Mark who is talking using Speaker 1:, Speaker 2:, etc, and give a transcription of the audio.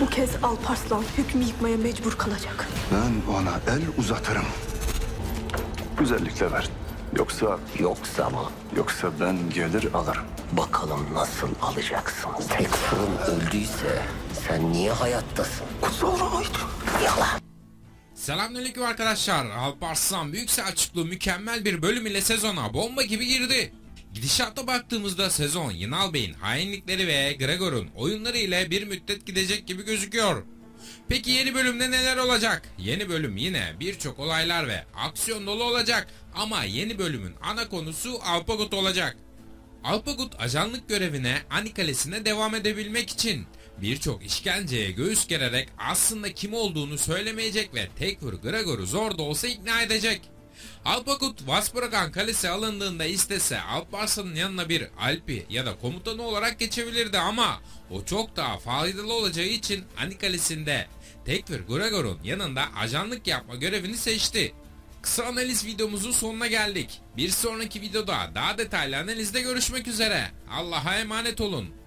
Speaker 1: Bu kez Alparslan hükmü yıkmaya mecbur kalacak.
Speaker 2: Ben ona el uzatırım. Güzellikle ver.
Speaker 3: Yoksa mı?
Speaker 2: Yoksa ben gelir alırım.
Speaker 3: Bakalım nasıl alacaksın? Tek fırın öldüyse sen niye hayattasın?
Speaker 2: Kutsal Raid.
Speaker 3: Yalan.
Speaker 4: Selamünaleyküm arkadaşlar. Alparslan Büyük Selçuklu mükemmel bir bölüm ile sezona bomba gibi girdi. Gidişata baktığımızda sezon Yinal Bey'in hainlikleri ve Gregor'un oyunları ile bir müddet gidecek gibi gözüküyor. Peki yeni bölümde neler olacak? Yeni bölüm yine birçok olaylar ve aksiyon dolu olacak ama yeni bölümün ana konusu Alpagut olacak. Alpagut ajanlık görevine Ani Kalesi'ne devam edebilmek için birçok işkenceye göğüs gererek aslında kim olduğunu söylemeyecek ve Tekfur Gregor'u zor da olsa ikna edecek. Alpagut Vaspuragan Kalesi alındığında istese Alparslan'ın yanına bir Alpi ya da komutanı olarak geçebilirdi ama o çok daha faydalı olacağı için Ani Kalesi'nde Tekfur Gregor'un yanında ajanlık yapma görevini seçti. Kısa analiz videomuzun sonuna geldik. Bir sonraki videoda daha detaylı analizde görüşmek üzere. Allah'a emanet olun.